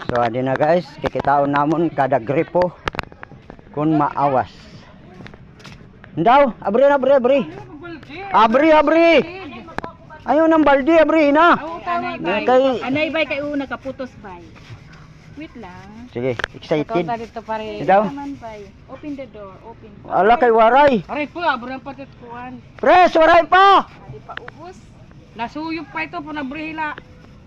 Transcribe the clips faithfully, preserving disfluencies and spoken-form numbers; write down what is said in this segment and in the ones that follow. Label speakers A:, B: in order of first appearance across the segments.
A: So adi na guys, kikitaon namon kada gripo kun maawas. Ndaw, abri na abri abri. Abri abri. Ayo nang baldi abri na.
B: Kay anay bay kay una kaputos bay. Wait lang.
A: Sige, excited.
B: Dito pare.
A: Daw.
B: Open the door, open.
A: Ala kay waray.
B: Aray po, abram patit kuan.
A: Pres, waray pa.
B: Di pa ubos. Nasuyop pa ito po na brihila.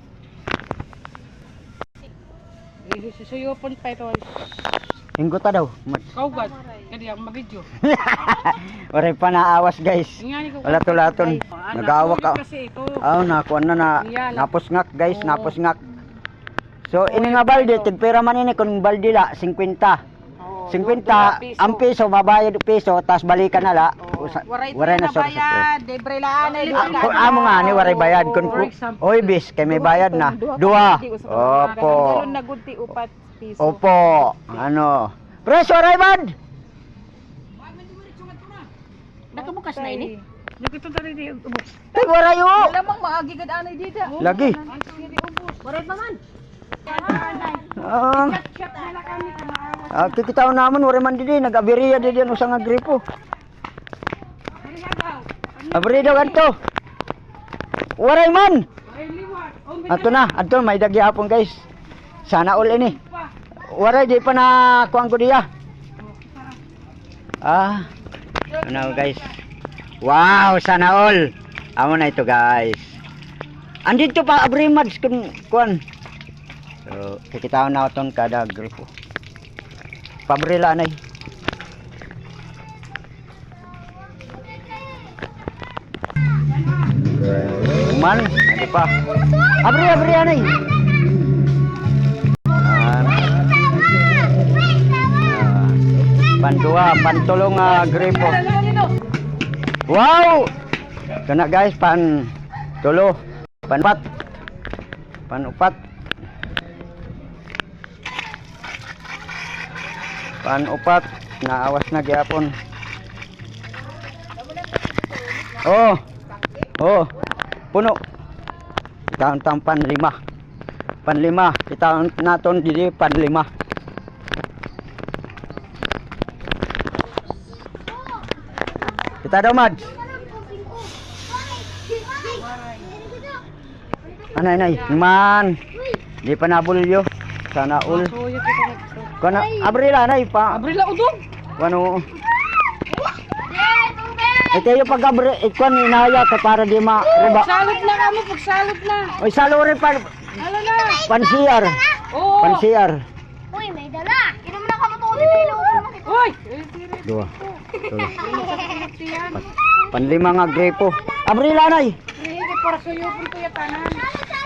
B: Susuyopon pa ito.
A: Inggo ta daw.
B: Kaugad. Kadi ang mabidyo.
A: Waray pa naawas guys. Wala tulaton. Nag-aawak ka. Aw na kuan na na napos ngak guys, napos ngak. So ini nga balde tigpera man ini kun balde la fifty. fifty ang piso mabayad piso tas balikan na la. Waray na sa bayad,
B: debre laan ay
A: amo nga ni waray bayad kun oy bis kay may bayad na. Dua. Opo.
B: Nagudti upat piso.
A: Opo. Ano? Preso waray bad.
B: Nakabukas na ini. Nakita tadi di ubos.
A: Tay waray o.
B: Lamang maagi gid anay dida.
A: Lagi.
B: Waray pa man.
A: Ah. Ah, kikitaon namon waray man didi nag-abiriya didi ano sa nga gripo. Abri daw adto. Waray man. Ato na, ato may dagi hapon guys. Sana all ini. Waray di pa na kuang ko diya. Ah. Ano guys? Wow, sana all. Amo na ito guys. Andito pa abri mads kun kuan. So, kikitaon na aton kada grupo. Pabrila anay. Man, ano pa? Abri, abri anay. Uh, pandua, pantulong uh, grupo. Wow! Ito na guys, pan tulo, panupat, panupat. Panupat, naawas na gyapon. Oh. Oh. Puno. Itaon tang panlima. Panlima, itaon naton dili panlima. Kita daw mad. Anay nay, man. Di pa nabulyo. Sana ul. Kana abrila nay pa.
B: Abrila udog.
A: Wano? Ay kayo pag abri ikon inaya ka para di ma riba.
B: Salot na kamo, pagsalot na.
A: Oy salo rin pa.
B: Hala na.
A: Pansiyar.
B: Oo.
A: Pansiyar.
C: Uy, may dala. Kino mo na kamo to dito.
B: Uy.
A: Dua. Panlima nga grepo. Abrila nay.
B: Hindi para suyopon ko ya tanan.